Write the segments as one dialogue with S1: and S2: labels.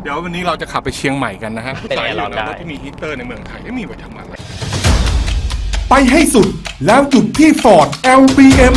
S1: เดี๋ยววันนี้เราจะขับไปเชียงใหม่กันนะฮะ
S2: เป็นไงร้อนได้
S1: รถที่มีฮีตเตอร์ในเมืองไทยไม่มีไว้ทำอะไร
S3: ไปให้สุดแล้วหยุดที่ Ford LBM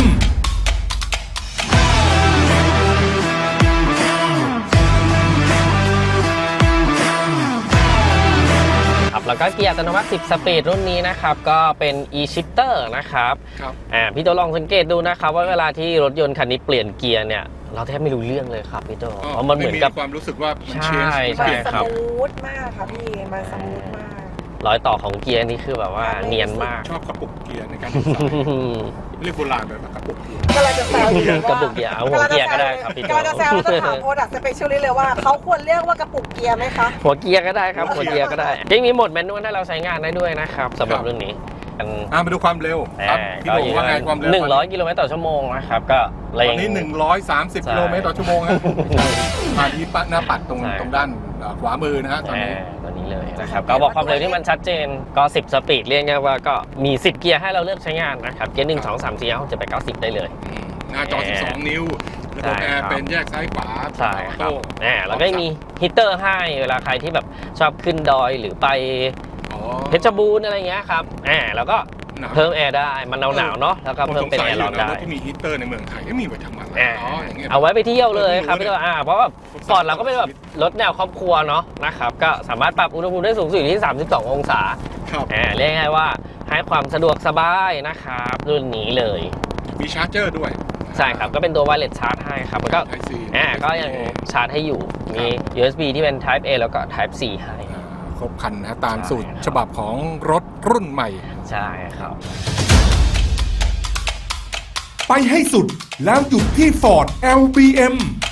S2: แล้วก็เกียร์อัตโนมัติ10 สปีดรุ่นนี้นะครับก็เป็น e-shifter นะครับ
S1: ครับ
S2: พี่โตลองสังเกตดูนะครับว่าเวลาที่รถยนต์คันนี้เปลี่ยนเกียร์เนี่ยเราแทบไม่รู้เรื่องเลยครับพี่โตเพราะมันเหมือนกับ
S1: ความรู้สึกว่ามัน
S2: ใช่
S1: เปลี่ยน
S2: ครับ
S4: สมูทมากค่ะพี่มันสมูทมาก
S2: รอยต่อของเกียร์นี่คือแบบว่าเนียนมาก
S1: ชอบกระปุกเกียร์ในการดีไซน์เรียกโบราณแบบกระปุกเกียร์
S4: ก็เลยจะแซวอยู่ว่าก
S2: ระปุกเกียร์เอาหัวเกียร์ก็ได้ครับพี่โต
S4: ก็จะแซวแล้วจะถามโปรดักต์สเปเชียลเลยว่าเขาควรเรียกว่ากระปุกเกียร์ไหมคะ
S2: หัวเกียร์ก็ได้ครับหัวเกียร์ก็ได้ยังมีโหมดแมนนวลให้เราใช้งานได้ด้วยนะครับสำหรับเรื่องนี้
S1: มาดูความเร็วครับพี่โด่งว่าไงความเร็ว
S2: 100 กิโลเมตรต่อชั่วโมงนะครับก็
S1: ตอนนี้130 กิโลเมตรต่อชั่วโมงครับผ่านที่หน้าปัดตรงด้านขวามือนะฮะตอนนี้
S2: ตัวนี้เลยนะครับก็บอกความเร็วที่มันชัดเจนก็10 สปีดเรียกง่ายว่าก็มี10 เกียร์ให้เราเลือกใช้งานนะครับเกียร์1 2 3 4 5 6 7 8 9 10ได้เลย
S1: หน้าจอ 12 นิ้วระบบแอร์เป็นแยกซ้ายขวา
S2: ใช่ครับแล้วก็มีฮีตเตอร์ให้เวลาใครที่แบบชอบขึ้นดอยหรือไปเพชรบูรณ์อะไรเงี้ยครับแล้วก็เพิ่มแอร์ได้มันหนาวๆเนาะแล้วก็เพิ่มเป็นแอร์ร้อนได้
S1: รถที่มีฮีตเตอร์ในเมืองไทยไม่มีไว้ทำอะไรอย่างเงี้ย
S2: เอาไว้ไปเที่ยวเลยครับพี่ตัวเพราะว่าฟอร์ดเราก็เป็นแบบรถแนวครอบครัวเนาะนะครับก็สามารถปรับอุณหภูมิได้สูงสุดที่32 องศาเรียกง่ายว่าให้ความสะดวกสบายนะครับรุ่นนี้เลย
S1: มีชาร์จเจอร์ด้วย
S2: ใช่ครับก็เป็นตัวไวเลสชาร์จให้ครับมันก็ก็ยังชาร์จให้อยู่มี USB ที่เป็น Type A แล้วก็ Type C ให้
S1: ครบคันนะตามสูตรฉบับของรถรุ่นใหม่
S2: ใช่ครับ
S3: ไปให้สุดแล้วหยุดที่ Ford LBM